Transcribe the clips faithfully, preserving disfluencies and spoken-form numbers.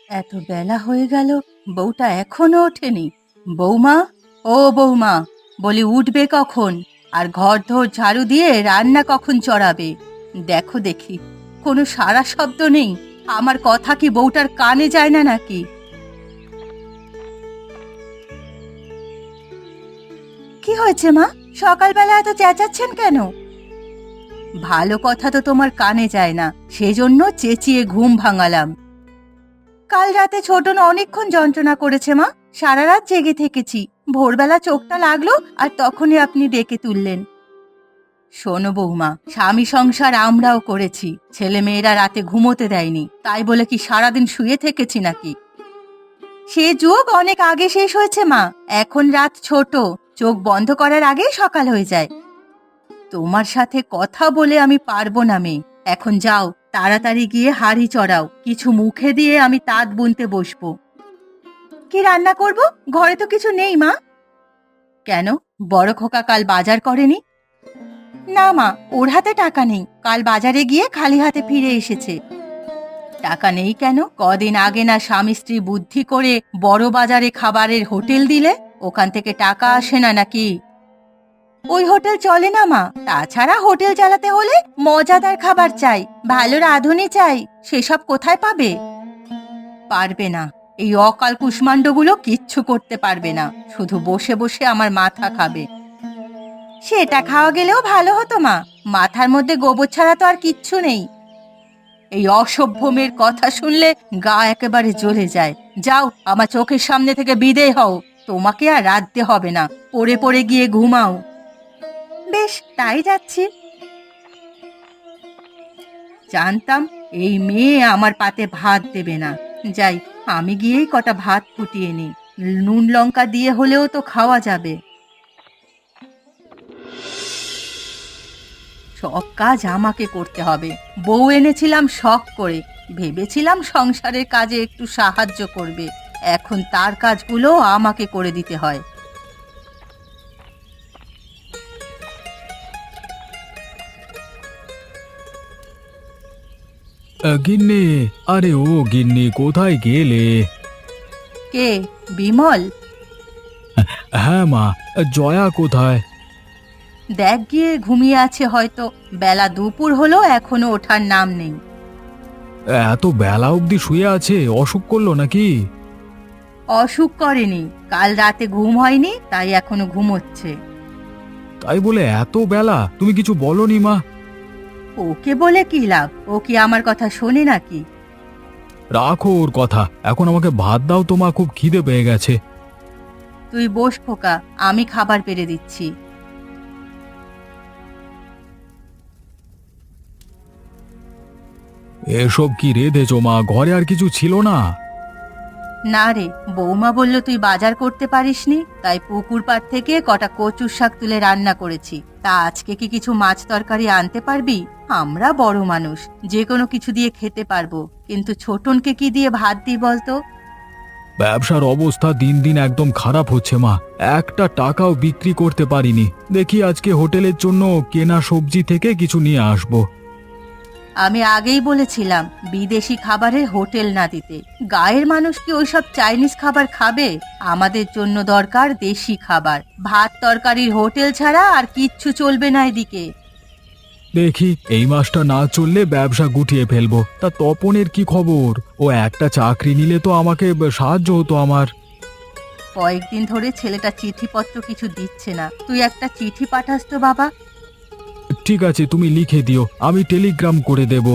এত বেলা হয়ে গেল, বউটা এখনো ওঠেনি। বৌমা, ও বৌমা, বলি উঠবে কখন? আর ঘর ধর ঝাড়ু দিয়ে রান্না কখন চড়াবে? দেখো দেখি, কোনো সারা শব্দ নেই। আমার কথা কি বউটার কানে যায় না নাকি? কি হয়েছে মা? সকালবেলা এত চেঁচাচ্ছেন কেন? ভালো কথা তো তোমার কানে যায় না, সেজন্য চেঁচিয়ে ঘুম ভাঙালাম। কাল রাতে ছোটন অনেকক্ষণ যন্ত্রণা করেছে মা। সারা রাত জেগে থেকেছি। ভোরবেলা চোখটা লাগলো আর তখনই আপনি ডেকে তুললেন। শোনো বৌমা, স্বামী সংসার আমরাও করেছি। ছেলে মেয়েরা রাতে ঘুমোতে দেয়নি, তাই বলে কি সারাদিন শুয়ে থেকেছি নাকি? সে যুগ অনেক আগে শেষ হয়েছে মা। এখন রাত ছোট, চোখ বন্ধ করার আগেই সকাল হয়ে যায়। তোমার সাথে কথা বলে আমি পারবো না মেয়ে। এখন যাও, তাড়াতাড়ি গিয়ে হাঁড়ি চড়াও, কিছু মুখে দিয়ে আমি তাঁত বুনতে বসবো। কি রান্না করব? ঘরে তো কিছু নেই মা। কেন, বড় খোকা কাল বাজার করেনি? না মা, ওর হাতে টাকা নেই। কাল বাজারে গিয়ে খালি হাতে ফিরে এসেছে। টাকা নেই কেন? কদিন আগে না স্বামী স্ত্রী বুদ্ধি করে বড় বাজারে খাবারের হোটেল দিলে? ওখান থেকে টাকা আসে না নাকি? ওই হোটেল চলে না মা। তাছাড়া হোটেল চালাতে হলে মজাদার খাবার চাই, ভালো রাঁধুনি চাই। সেসব কোথায় পাবে? পারবে না। এই অকাল কুষ্মাণ্ডগুলো কিচ্ছু করতে পারবে না, শুধু বসে বসে আমার মাথা খাবে। সেটা খাওয়া গেলেও ভালো হতো মা। মাথার মধ্যে গোবর ছাড়া তো আর কিচ্ছু নেই। এই অসভ্য মেয়ের কথা শুনলে গা একেবারে জ্বলে যায়। যাও, আমার চোখের সামনে থেকে বিদেয় হও। তোমাকে আর রাঁধতে হবে না, পড়ে পড়ে গিয়ে ঘুমাও। বেশ, তাই যাচ্ছি। জানতাম এই মেয়ে আমার পাতে ভাত দেবে না। যাই, আমি গিয়েই কটা ভাত ফুটিয়ে নিই। নুন লঙ্কা দিয়ে হলেও তো খাওয়া যাবে। সব কাজ আমাকে করতে হবে। বউ এনেছিলাম শখ করে, ভেবেছিলাম সংসারের কাজে একটু সাহায্য করবে। এখন তার কাজগুলো আমাকে করে দিতে হয়। আ, গিন্নি, আরে ও গিন্নি, কোথায় গেলে? কে? বিমল? হ্যাঁ মা, জয়া কোথায়? দেখ গিয়ে, ঘুমিয়ে আছে হয়তো। বেলা দুপুর হলো, এখনো ওঠার নাম নেই। এত বেলা অবধি শুয়ে আছে, অসুখ করলো নাকি? অসুখ করেনি, কাল রাতে ঘুম হয়নি, তাই এখনো ঘুমোচ্ছে। তাই বলে এত বেলা তুমি কিছু বলনি মা? ওকে বলে কি লাভ? ও কি আমার কথা শোনে নাকি? রাখো ওর কথা, এখন আমাকে ভাত দাও তো মা, খুব খিদে পেয়ে গেছে। তুই বস খোকা, আমি খাবার পেড়ে দিচ্ছি। এসব কি রেঁধেছো মা? ঘরে আর কিছু ছিল না? না রে, বৌমা বলল তুই বাজার করতে পারিসনি, তাই পুকুর পাড় থেকে কটা কচুর শাক তুলে রান্না করেছি। তা আজকে কি কিছু মাছ তরকারি আনতে পারবি? আমরা বড় মানুষ, যে কোনো কিছু দিয়ে খেতে পারবো, কিন্তু ছোটনকে কি দিয়ে ভাত দিই বলতো? ব্যবসার অবস্থা দিন দিন একদম খারাপ হচ্ছে মা। একটা টাকাও বিক্রি করতে পারিনি। দেখি আজকে হোটেলের জন্য কেনা সবজি থেকে কিছু নিয়ে আসবো। আমি আগেই বলেছিলাম বিদেশি খাবারের হোটেল না দিতে। গায়ের মানুষ কি ওইসব চাইনিজ খাবার খাবে? আমাদের জন্য দরকার দেশি খাবার। ভাত তরকারির হোটেল ছাড়া আর কিচ্ছু চলবে না এদিকে। দেখি এই মাসটা না চললে ব্যবসা গুটিয়ে ফেলবো। তা তপনের কি খবর? ও একটা চাকরি নিলে তো আমাকে ব- সাহায্য হতো আমার। কয়েকদিন ধরে ছেলেটা চিঠিপত্র কিছু দিচ্ছে না। তুই একটা চিঠি পাঠাস তো বাবা। ঠিক আছে, তুমি লিখে দিও, আমি টেলিগ্রাম করে দেব।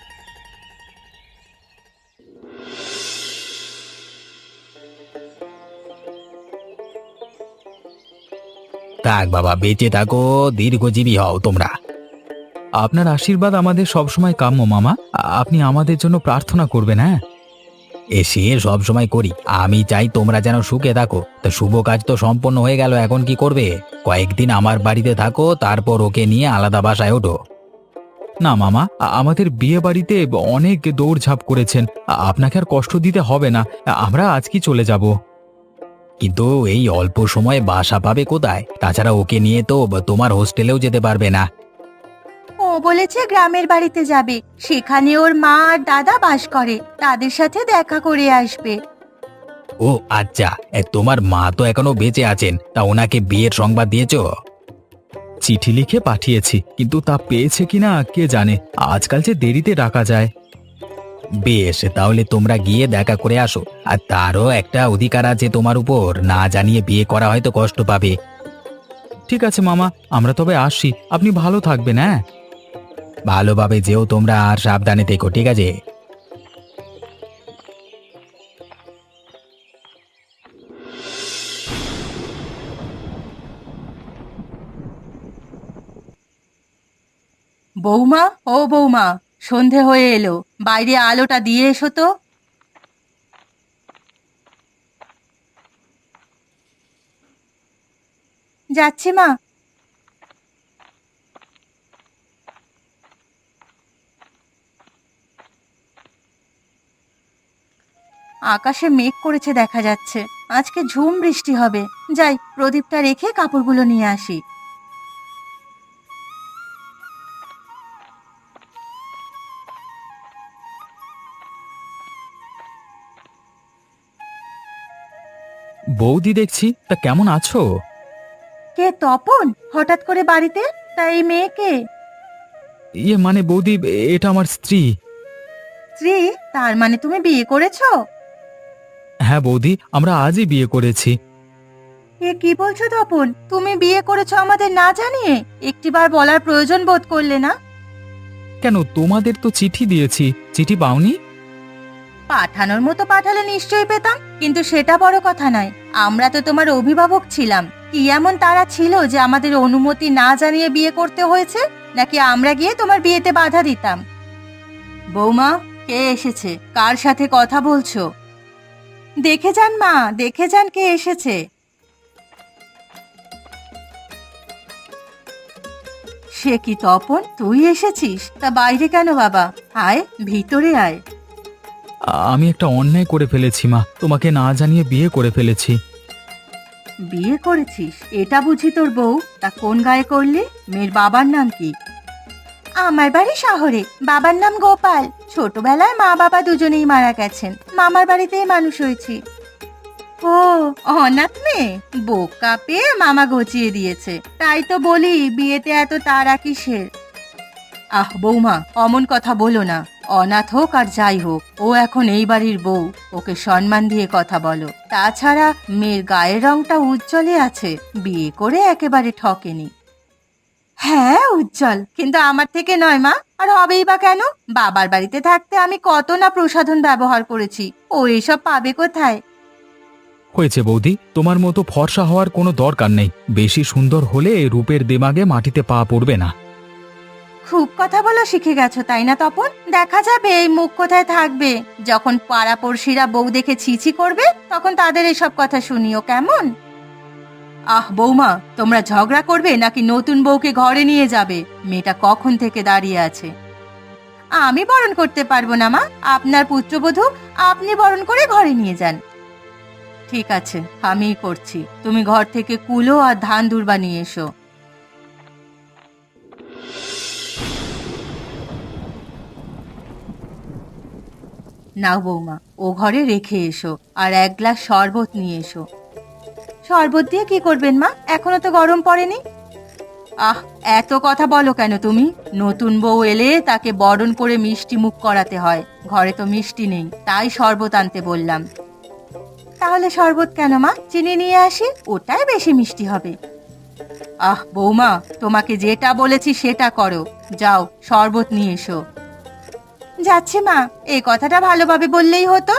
থাক বাবা, বেঁচে থাকো, দীর্ঘজীবী হও তোমরা। আপনার আশীর্বাদ আমাদের সবসময় কাম্য মামা। আ- আপনি আমাদের জন্য প্রার্থনা করবেন। হ্যাঁ, এসে সব সময় করি। আমি চাই তোমরা যেন সুখে থাকো। তা শুভ কাজ তো সম্পন্ন হয়ে গেল, এখন কি করবে? কয়েকদিন আমার বাড়িতে থাকো, তারপর ওকে নিয়ে আলাদা বাসায় ওঠো। না মামা, আ- আমাদের বিয়ে বাড়িতে অনেক দৌড়ঝাঁপ করেছেন। আ- আপনাকে আর কষ্ট দিতে হবে না। আ- আমরা আজকেই চলে যাব। কিন্তু এই অল্প সময়ে বাসা পাবে কোথায়? তাছাড়া ওকে নিয়ে তো তোমার হোস্টেলেও যেতে পারবে না। ও ও বলেছে গ্রামের বাড়িতে যাবে, সেখানে ওর মা আর দাদা বাস করে, তাদের সাথে দেখা করে আসবে। ও আচ্ছা, এ, তোমার মা তো এখনো বেঁচে আছেন, তা ওনাকে বিয়ের সংবাদ দিয়েছো? চিঠি লিখে পাঠিয়েছি, কিন্তু তা পেয়েছে কিনা কে জানে, আজকাল যে দেরিতে ডাকা যায়। বেশ, তাহলে তোমরা গিয়ে দেখা করে আসো। আর তারও একটা অধিকার আছে তোমার উপর, না জানিয়ে বিয়ে করা হয়তো কষ্ট পাবে। ঠিক আছে মামা, আমরা তবে আসি, আপনি ভালো থাকবেন। হ্যাঁ, ভালোভাবে যেও তোমরা, আর সাবধানে থেকো, ঠিক আছে? বৌমা, ও বৌমা, সন্ধে হয়ে এলো, বাইরে আলোটা দিয়ে এসো তো। যাচ্ছি মা। আকাশে মেঘ করেছে দেখা যাচ্ছে, আজকে ঝুম বৃষ্টি হবে। যাই, প্রদীপটা রেখে কাপড়গুলো নিয়ে আসি। বৌদি দেখছি, তা কেমন আছো? কে তপন হঠাৎ করে বাড়িতে? তা এই মেয়েকে? ইয়ে মানে বৌদি, এটা আমার স্ত্রী। স্ত্রী? তার মানে তুমি বিয়ে করেছো? হ্যাঁ বৌদি, আমরা আজই বিয়ে করেছি। এ কি বলছো তপন, তুমি বিয়ে করেছো আমাদের না জানিয়ে? একটিবার বলার প্রয়োজন বোধ করলে না? কেন, তোমাদের তো চিঠি দিয়েছি, চিঠি পাওনি? পাঠানোর মতো পাঠালে নিশ্চয়ই পেতাম, কিন্তু সেটা বড় কথা নয়। আমরা তো তোমার অভিভাবক ছিলাম, কি এমন তারা ছিল যে আমাদের অনুমতি না জানিয়ে বিয়ে করতে হয়েছে? নাকি আমরা গিয়ে তোমার বিয়েতে বাধা দিতাম? বৌমা, কে এসেছে? কার সাথে কথা বলছো? দেখে যান মা, দেখে যান কে এসেছে। সে কি তপন, তুই এসেছিস? তা বাইরে কেন বাবা? আয়, ভিতরে আয়। আমি একটা অন্যায় করে ফেলেছি মা, তোমাকে না জানিয়ে বিয়ে করে ফেলেছি। বিয়ে করেছিস? এটা বুঝি তোর বউ? তা কোন গায়ে করলি? মেয়ের বাবার নাম কি? আমার বাড়ি শহরে, বাবার নাম গোপাল। ছোটবেলায় মা বাবা দুজনেই মারা গেছেন, মামার বাড়িতেই মানুষ হয়েছি। ও, অনাথ মেয়ে? বোকা পেয়ে মামা গচিয়ে দিয়েছে, তাই তো বলি বিয়েতে এত তাড়া কিসের? আহ বৌমা, অমন কথা বলো না। অনাথ হোক আর যাই হোক, ও এখন এই বাড়ির বউ, ওকে সম্মান দিয়ে কথা বলো। তাছাড়া মেয়ের গায়ের রংটা উজ্জ্বলই আছে, বিয়ে করে একেবারে ঠকেনি। হ্যাঁ উজ্জ্বল, কিন্তু আমার থেকে নয় মা, আর হবেই বা কেন? বাবার বাড়িতে থাকতে আমি কত না প্রসাধন ব্যবহার করেছি, ও এসব পাবে কোথায়? হয়েছে বৌদি, তোমার মতো ফর্সা হওয়ার কোনো দরকার নেই, বেশি সুন্দর হলে রূপের দেমাগে মাটিতে পা পড়বে না। খুব কথা বলা শিখে গেছো তাই না তপন? দেখা যাবে এই মুখ কোথায় থাকবে। যখন পাড়াপড়শিরা বউ দেখে ছিছি করবে, তখন তাদের এসব কথা শুনিও কেমন? আহ বৌমা, তোমরা ঝগড়া করবে নাকি নতুন বউকে ঘরে নিয়ে যাবে? মেয়েটা কখন থেকে দাঁড়িয়ে আছে। আমি বরণ করতে পারবো না মা, আপনার পুত্রবধূ, আপনি বরণ করে ঘরে নিয়ে যান। ঠিক আছে, আমিই করছি। তুমি ঘর থেকে কুলো আর ধান দুর্বা নিয়ে এসো। নাও বৌমা, ও ঘরে রেখে এসো, আর এক গ্লাস শরবত নিয়ে এসো। শরবত দিয়ে কি করবেন মা? এখনো তো গরম পড়েনি। আহ, এত কথা বলো কেন তুমি? নতুন বউ এলে তাকে বরণ করে মিষ্টি মুখ করাতে হয়, ঘরে তো মিষ্টি নেই, তাই শরবত আনতে বললাম। তাহলে শরবত কেন মা? চিনি নিয়ে আসি, ওটাই বেশি মিষ্টি হবে। আহ বৌমা, তোমাকে যেটা বলেছি সেটা করো। যাও, শরবত নিয়ে এসো। যাচ্ছি মা, এই কথাটা ভালোভাবে বললেই হতো।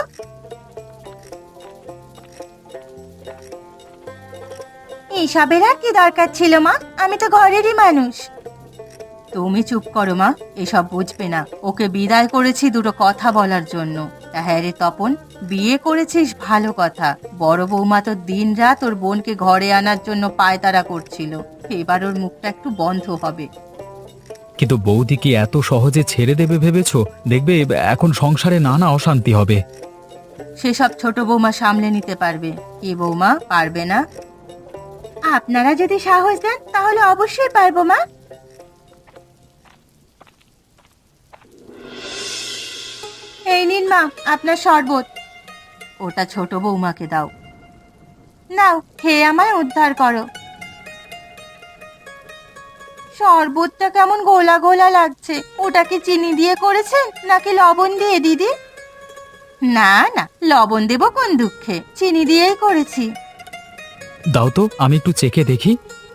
এসবের আর কি দরকার ছিল মা? আমি তো ঘরেরই মানুষ। তুমি চুপ করো মা, এসব বুঝবে না। ওকে বিদায় করেছি দুটো কথা বলার জন্য। তা হ্যাঁ রে তপন, বিয়ে করেছিস ভালো কথা, বড় বৌমা তো দিন রাত ওর বোনকে ঘরে আনার জন্য পায়তারা করছিল, এবার ওর মুখটা একটু বন্ধ হবে। কিন্তু বৌদি কি এত সহজে ছেড়ে দেবে ভেবেছো? দেখবে এখন সংসারে নানা অশান্তি হবে। সেসব ছোট বৌমা সামলে নিতে পারবে। কি বৌমা, পারবে না? আপনারা যদি সাহস দেন তাহলে অবশ্যই পারবো মা। এই নিন মা আপনার শরবত। ওটা ছোট বৌমাকে দাও। নাও খেয়ে আমায় উদ্ধার করো। শরবতটা কেমন গোলা গোলা লাগছে, ওটা কি চিনি দিয়ে করেছেন নাকি লবণ দিয়ে দিদি? না না, লবণ দেব কোন দুঃখে, চিনি দিয়েই করেছি। দাও তো, আমি একটু চেখে দেখি।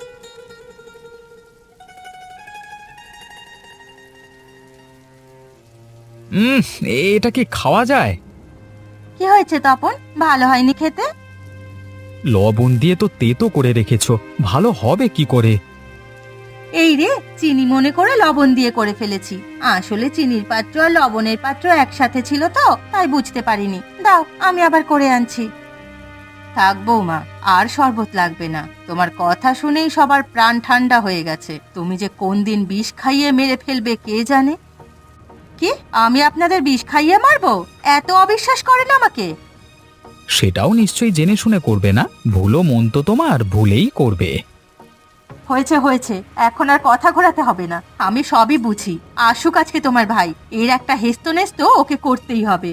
উম এটা কি খাওয়া যায়? কি হয়েছে তপন, ভালো হয়নি খেতে? লবণ দিয়ে তো তেতো করে রেখেছো, ভালো হবে কি করে? এই রে, চিনি মনে করে লবণ দিয়ে করে ফেলেছি। আসলে চিনির পাত্র আর লবণের পাত্র একসাথে ছিল তো, তাই বুঝতে পারিনি। দাও আমি আবার করে আনছি। থাক বৌমা, আর শরবত লাগবে না। তোমার কথা শুনেই সবার প্রাণ ঠান্ডা হয়ে গেছে। তুমি যে কোন দিন বিষ খাইয়ে মেরে ফেলবে কে জানে। কি, আমি আপনাদের বিষ খাইয়ে মারবো? এত অবিশ্বাস করেন আমাকে? সেটাও নিশ্চয়ই জেনে শুনে করবে না, ভুলো মন তো তোমার ভুলেই করবে। হয়েছে হয়েছে, এখন আর কথা ঘোরাতে হবে না। আমি সবই বুঝি। আসুক আজকে তোমার ভাই, এর একটা হেস্তো নেস্তো ওকে করতেই হবে।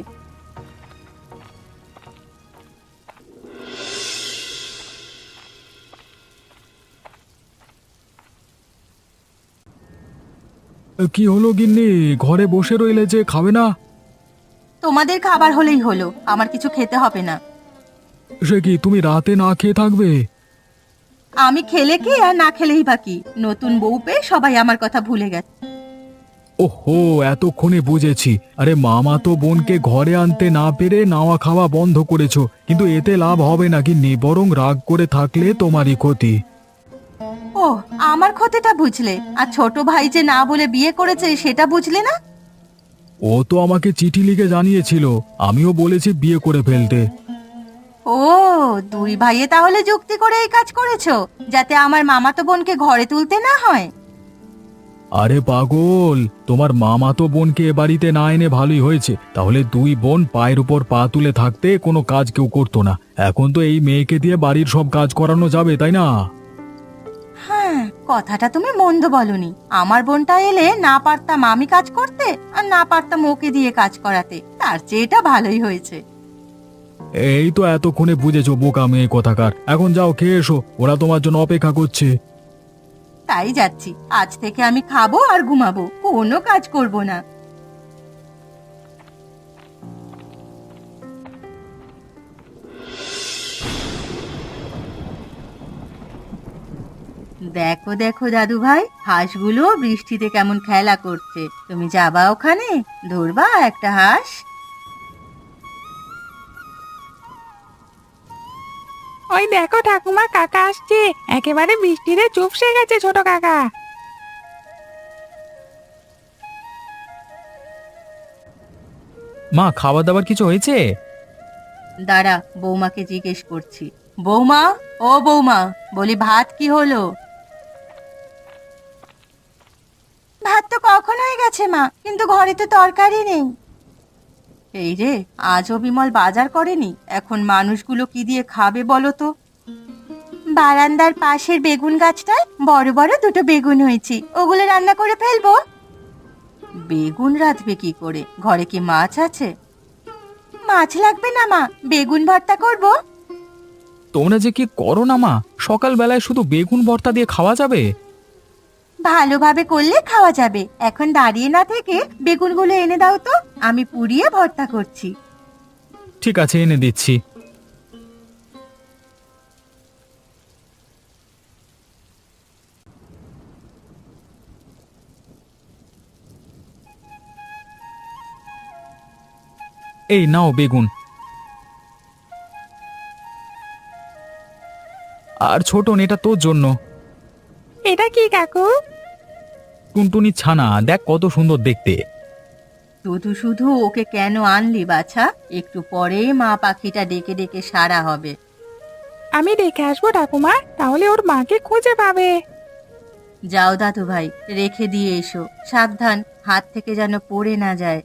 কি হলো গিন্নি, ঘরে বসে রইলে যে, খাবে না? তোমাদের খাবার হলেই হলো, আমার কিছু খেতে হবে না। সে কি, তুমি রাতে না খেয়ে থাকবে? আমি খেলে কি আর না খেলেই বাকি, নতুন বউ পেয়ে সবাই আমার কথা ভুলে গেছে। ওহো, এতক্ষণে বুঝেছি। আরে মামা তো বোনকে ঘরে আনতে না পেরে নাওয়া খাওয়া বন্ধ করেছো, কিন্তু এতে লাভ হবে না গিন্নি, বরং রাগ করে থাকলে তোমারই ক্ষতি। ও, আমার ক্ষতিটা বুঝলে, আর ছোট ভাই যে না বলে বিয়ে করেছে সেটা বুঝলে না? ও তো আমাকে চিঠি লিখে জানিয়েছিল, আমিও বলেছি বিয়ে করে ফেলতে। ও, দুই ভাইয়ে তাহলে যুক্তি করে এই কাজ করেছো, যাতে আমার মামাতো বোনকে ঘরে তুলতে না হয়। আরে পাগল, তোমার মামা তো বোনকে এ বাড়িতে না এনে ভালোই হয়েছে। তাহলে দুই বোন পায়ের উপর পা তুলে থাকতে কোনো কাজ কেউ করতো না। এখন তো এই মেয়েকে দিয়ে বাড়ির সব কাজ করানো যাবে, তাই না? হ্যাঁ, কথাটা তুমি মন্দ বলনি। আমার বোনটা এলে না পারতাম আমি কাজ করতে, আর না পারতাম ওকে দিয়ে কাজ করাতে। তার চেয়ে এটা ভালোই হয়েছে। এই তো এতক্ষণে বুঝেছো বোকা মেয়ে কথাকার। এখন যাও, খেয়ে এসো, ওরা তোমার জন্য অপেক্ষা করছে। তাই যাচ্ছি, আজ থেকে আমি খাবো আর ঘুমাবো, কোনো কাজ করব না। দেখো দেখো দাদু ভাই, হাঁসগুলো বৃষ্টিতে কেমন খেলা করছে। তুমি যাবা ওখানে, ধরবা একটা হাঁস? ওই দেখো ঠাকুমা, কাকা আসছে। একেবারে বৃষ্টিতে চুপসে গেছে ছোট কাকা। মা, খাবার দাবার কিছু হয়েছে? দাঁড়া, বৌমাকে জিজ্ঞেস করছি। বৌমা, ও বৌমা, বলি ভাত কি হলো? ভাত তো কখন হয়ে গেছে মা, কিন্তু ঘরে তো তরকারি নেই। এই রে, আজও বিমল বাজার করেনি। এখন মানুষগুলো কি দিয়ে খাবে বলো তো? বারান্দার পাশের বেগুন গাছটায় বড় বড় দুটো বেগুন হয়েছে, ওগুলো রান্না করে ফেলবো। বেগুন রাঁধবে কি করে, ঘরে কি মাছ আছে? মাছ লাগবে না মা, বেগুন ভর্তা করব। তোমরা যে কি করো না মা, সকালবেলায় শুধু বেগুন ভর্তা দিয়ে খাওয়া যাবে? ভালোভাবে করলে খাওয়া যাবে। এখন দাঁড়িয়ে না থেকে বেগুনগুলো এনে দাও তো, আমি পুড়িয়ে ভর্তা করছি। ঠিক আছে, এনে দিচ্ছি। এই নাও বেগুন। আর ছোটন, এটা তোর জন্য। এটা কি কাকু? টুনটুনি ছানা, দেখ কত সুন্দর দেখতে। শুধু শুধু ওকে কেন আনলি বাছা? একটু পরেই মা পাখিটা ডেকে ডেকে সারা হবে। আমি দেখে আসবো ঠাকুমা, তাহলে ওর মাকে খুঁজে পাবে। যাও দাদু ভাই, রেখে দিয়ে এসো, সাবধান, হাত থেকে যেন পড়ে না যায়।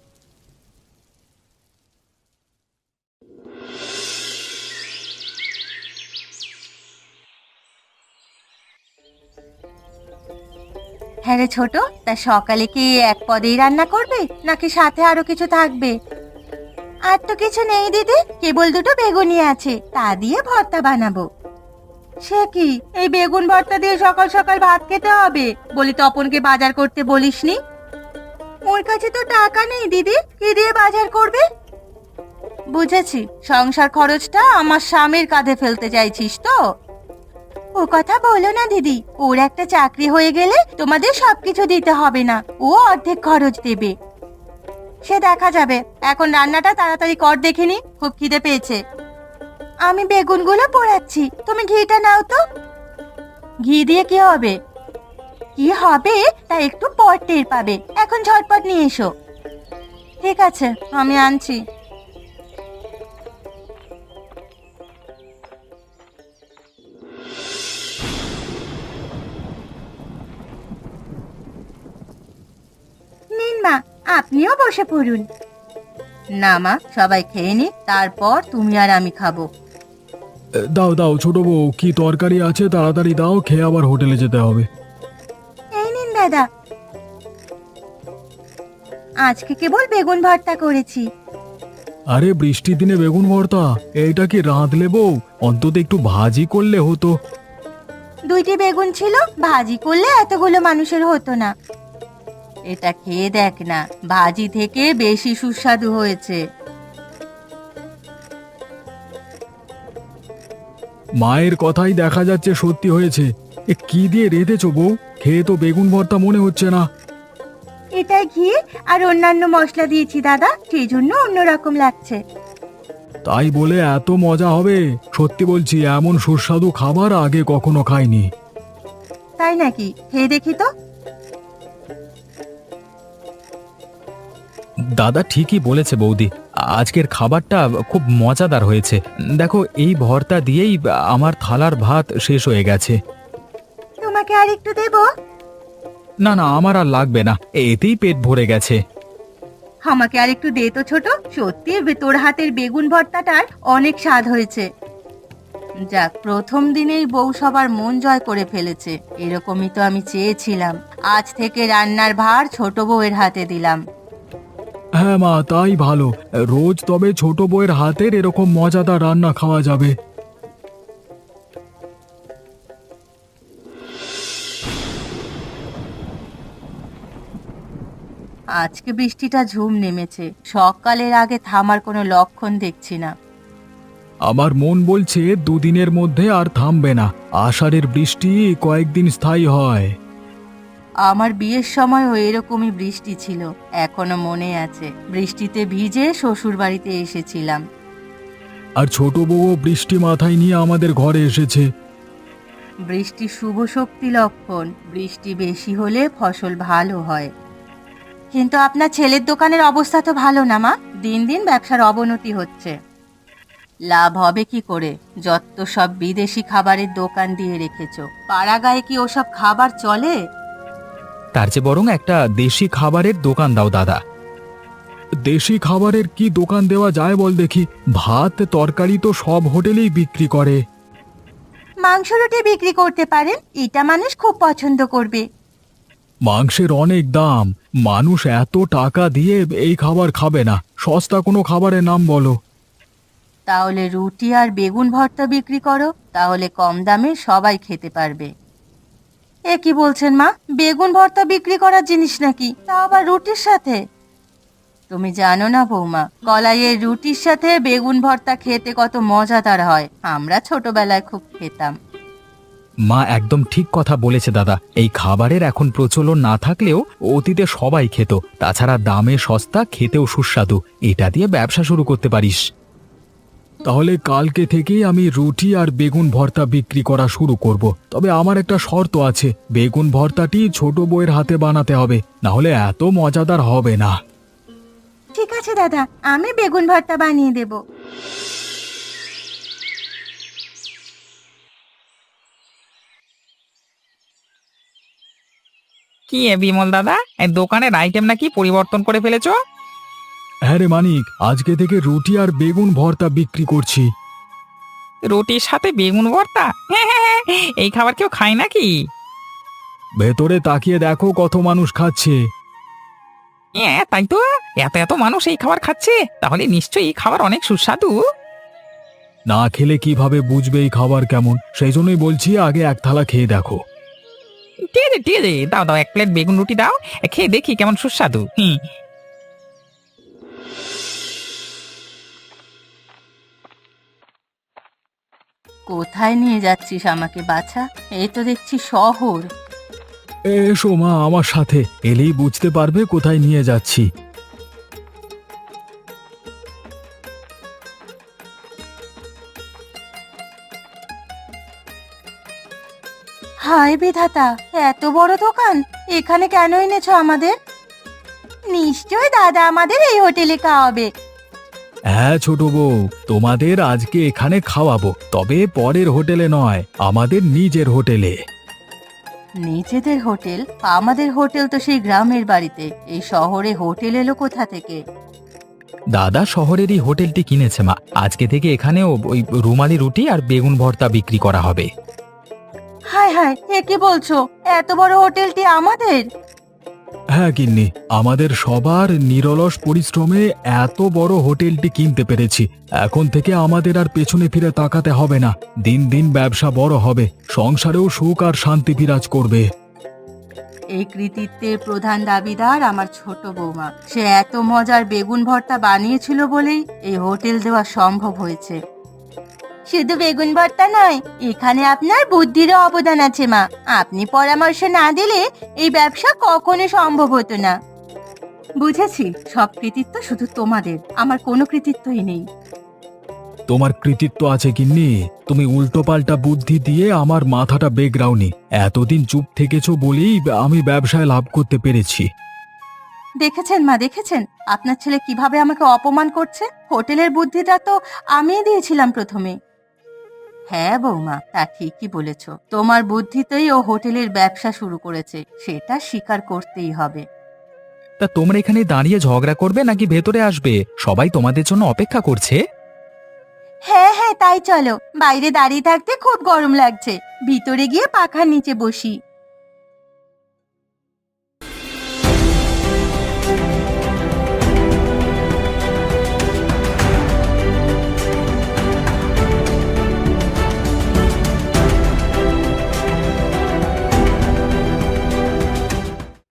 হ্যাঁ রে ছোট, তা সকালে কি এক পদেই রান্না করবে নাকি সাথে আরো কিছু থাকবে? আর তো কিছু নেই দিদি, কেবল দুটো বেগুনি আছে, তা দিয়ে ভর্তা বানাবো। সে কি, এই বেগুন ভর্তা দিয়ে সকাল সকাল ভাত খেতে হবে? বলি তপনকে বাজার করতে বলিসনি? ওর কাছে তো টাকা নেই দিদি, কি দিয়ে বাজার করবে? বুঝেছি, সংসার খরচটা আমার স্বামীর কাঁধে ফেলতে চাইছিস তো? ও কথা বলো না দিদি, ওর একটা চাকরি হয়ে গেলে তোমাদের সবকিছু দিতে হবে না, ও অর্ধেক খরচ দেবে। সে দেখা যাবে, এখন রান্নাটা তাড়াতাড়ি কর দেখিনি, খুব খিদে পেয়েছে। আমি বেগুনগুলো পোড়াচ্ছি, তুমি ঘিটা নাও তো। ঘি দিয়ে কি হবে? কি হবে তা একটু পর টের পাবে, এখন ঝটপট নিয়ে এসো। ঠিক আছে, আমি আনছি। নিন মা, আপনিও বসে পড়ুন। না মা, সবাই খেয়ে নি, তারপর তুমি আর আমি খাবো। এ, দাও দাও ছোট বউ, কি তরকারি আছে তাড়াতাড়ি দাও, খেয়ে আবার হোটেলে যেতে হবে। এই নিন দাদা, আজকে কেবল বেগুন ভর্তা করেছি। আরে বৃষ্টির দিনে বেগুন ভর্তা, এইটা কি রাঁধলে বউ? অন্তত একটু ভাজি করলে হতো। দুইটি বেগুন ছিল, ভাজি করলে এতগুলো মানুষের হতো না। এটা খেয়ে দেখ না, ভাজি থেকে বেশি সুস্বাদু হয়েছে। মায়ের কথাই দেখা যাচ্ছে সত্যি হয়েছে। এ কি দিয়ে রেঁধেছো বউ? খেয়ে তো বেগুন ভর্তা মনে হচ্ছে না। এটা ঘি আর অন্যান্য মশলা দিয়েছি দাদা, সেই জন্য অন্যরকম লাগছে। তাই বলে এত মজা হবে? সত্যি বলছি, এমন সুস্বাদু খাবার আগে কখনো খাইনি। তাই নাকি? খেয়ে দেখি তো। দাদা ঠিকই বলেছে বৌদি, আজকের খাবারটা খুব মজাদার হয়েছে। দেখো, এই ভর্তা দিয়েই আমার থালার ভাত শেষ হয়ে গেছে। তোমাকে আর একটু দেবো? না না, আমার আর লাগবে না, এতেই পেট ভরে গেছে। আমাকে আর একটু দে তো ছোট, সত্যি তোর হাতের বেগুন ভর্তাটার অনেক স্বাদ হয়েছে। যাক, প্রথম দিনেই বউ সবার মন জয় করে ফেলেছে, এরকমই তো আমি চেয়েছিলাম। আজ থেকে রান্নার ভার ছোট বউয়ের হাতে দিলাম। হ্যাঁ মা, তাই ভালো। রোজ তবে ছোট বউয়ের হাতের এরকম মজাদার রান্না খাওয়া যাবে। আজকে বৃষ্টিটা ঝুম নেমেছে, সকালের আগে থামার কোনো লক্ষণ দেখছি না। আমার মন বলছে দুদিনের মধ্যে আর থামবে না। আষাঢ়ের বৃষ্টি কয়েকদিন স্থায়ী হয়। আমার বিয়ের সময়ও এরকমই বৃষ্টি ছিল, এখনো মনে আছে। বৃষ্টিতে ভিজে শ্বশুর বাড়িতে এসেছিলাম। আর ছোট বউও বৃষ্টি মাথায় নিয়ে আমাদের ঘরে এসেছে। বৃষ্টি শুভ শক্তি লক্ষণ, বৃষ্টি বেশি হলে ফসল ভালো হয়। কিন্তু আপনার ছেলের দোকানের অবস্থা তো ভালো না মা, দিন দিন ব্যবসার অবনতি হচ্ছে। লাভ হবে কি করে? যত সব বিদেশি খাবারের দোকান দিয়ে রেখেছো, পাড়া গায়ে কি ওসব খাবার চলে? তার চেয়ে বরং একটা দেশি খাবারের দোকান দাও দাদা। দেশি খাবারের কি দোকান দেওয়া যায় বল দেখি? ভাত তরকারি তো সব হোটেলেই বিক্রি করে। মাংস রুটি বিক্রি করতে পারেন, এটা মানুষ খুব পছন্দ করবে। মাংসের অনেক দাম, মানুষ এত টাকা দিয়ে এই খাবার খাবে না। সস্তা কোনো খাবারের নাম বলো। তাহলে রুটি আর বেগুন ভর্তা বিক্রি করো, তাহলে কম দামে সবাই খেতে পারবে। এ কি বলছেন মা, বেগুন ভর্তা বিক্রি করার জিনিস নাকি, তা আবার রুটির সাথে? তুমি জানো না বৌমা, কলাইয়ের রুটির সাথে বেগুন ভর্তা খেতে কত মজাদার হয়, আমরা ছোটবেলায় খুব খেতাম। মা একদম ঠিক কথা বলেছে দাদা। এই খাবারের এখন প্রচলন না থাকলেও অতীতে সবাই খেত। তাছাড়া দামে সস্তা, খেতেও সুস্বাদু। এটা দিয়ে ব্যবসা শুরু করতে পারিস। তাহলে কালকে থেকেই আমি রুটি আর বেগুন ভর্তা বিক্রি করা শুরু করব। তবে আমার একটা শর্ত আছে, বেগুন ভর্তাটি ছোট বউয়ের হাতে বানাতে হবে, না হলে এত মজাদার হবে না। ঠিক আছে দাদা, আমি বেগুন ভর্তা বানিয়ে দেব। কি এ বিমল দাদা, এই দোকানের আইটেম নাকি পরিবর্তন করে ফেলেছো? হ্যাঁ রে মানিক, আজকে থেকে রুটি আর বেগুন ভর্তা বিক্রি করছি। রুটির সাথে বেগুন ভর্তা? এই খাবার কেউ খায় নাকি? ভেতরে তাকিয়ে দেখো কত মানুষ খাচ্ছে। হ্যাঁ তাই তো, এত এত মানুষ এই খাবার খাচ্ছে, তাহলে নিশ্চয়ই এই খাবার অনেক সুস্বাদু। না খেলে কিভাবে বুঝবে এই খাবার কেমন? সেই জন্যই বলছি আগে এক থালা খেয়ে দেখো। ঠিক আছে ঠিক আছে, দাও দাও এক প্লেট বেগুন রুটি দাও, খেয়ে দেখি কেমন সুস্বাদু। হুম। কোথায় নিয়ে যাচ্ছিস আমাকে বাছা? এই তো দেখছি শহর। এসো মা আমার সাথে, এলেই বুঝতে পারবে কোথায় নিয়ে যাচ্ছি। হায় বিধাতা, এত বড় দোকান! এখানে কেন এনেছো আমাদের? নিশ্চয় দাদা আমাদের এই হোটেলে খাওয়াবে। হ্যাঁ ছোট বউ, তোমাদের আজকে এখানে খাওয়াবো, তবে পরের হোটেলে নয়, আমাদের নিজের হোটেলে। নিজেদের হোটেল? আমাদের হোটেল তো সেই গ্রামের বাড়িতে, এই শহরে হোটেল এলো কোথা থেকে? দাদা শহরেরই হোটেলটি কিনেছে মা, আজকে থেকে এখানেও ওই রুমালি রুটি আর বেগুন ভর্তা বিক্রি করা হবে। হায় হায়, এ কি বলছো? এত বড় হোটেলটি আমাদের? হ্যাঁ গিন্নি, আমাদের সবার নিরলস পরিশ্রমে এত বড় হোটেলটি কিনতে পেরেছি। এখন থেকে আমাদের আর পেছনে ফিরে তাকাতে হবে না। দিন দিন ব্যবসা বড় হবে, সংসারেও সুখ আর শান্তি বিরাজ করবে। এই কৃতিত্বের প্রধান দাবিদার আমার ছোট বৌমা। সে এত মজার বেগুন ভর্তা বানিয়েছিল বলেই এই হোটেল দেওয়া সম্ভব হয়েছে। শুধু বেগুন ভর্তা নয়, এখানে আপনার বুদ্ধিরও অবদান আছে মা। আপনি পরামর্শ না দিলে এই ব্যবসা কখনো সম্ভব হতো না। বুঝেছি, সব কৃতিত্ব শুধু তোমাদের, আমার কোনো কৃতিত্বই নেই। তোমার কৃতিত্ব আছে গিন্নি, তুমি উল্টোপাল্টা বুদ্ধি দিয়ে আমার মাথাটা বেগড়াওনি। এতদিন চুপ থেকেছো বলেই আমি ব্যবসায় লাভ করতে পেরেছি। দেখেছেন মা, দেখেছেন আপনার ছেলে কিভাবে আমাকে অপমান করছে? হোটেলের বুদ্ধিটা তো আমিই দিয়েছিলাম প্রথমে। হ্যাঁ বৌমা, তা ঠিকই বলেছ। তোমার বুদ্ধিতেই ও হোটেলের ব্যবসা শুরু করেছে, সেটা স্বীকার করতেই হবে। তা তোমরা এখানে দাঁড়িয়ে ঝগড়া করবে নাকি ভেতরে আসবে? সবাই তোমাদের জন্য অপেক্ষা করছে। হ্যাঁ হ্যাঁ, তাই চলো। বাইরে দাঁড়িয়ে থাকতে খুব গরম লাগছে, ভিতরে গিয়ে পাখার নিচে বসি।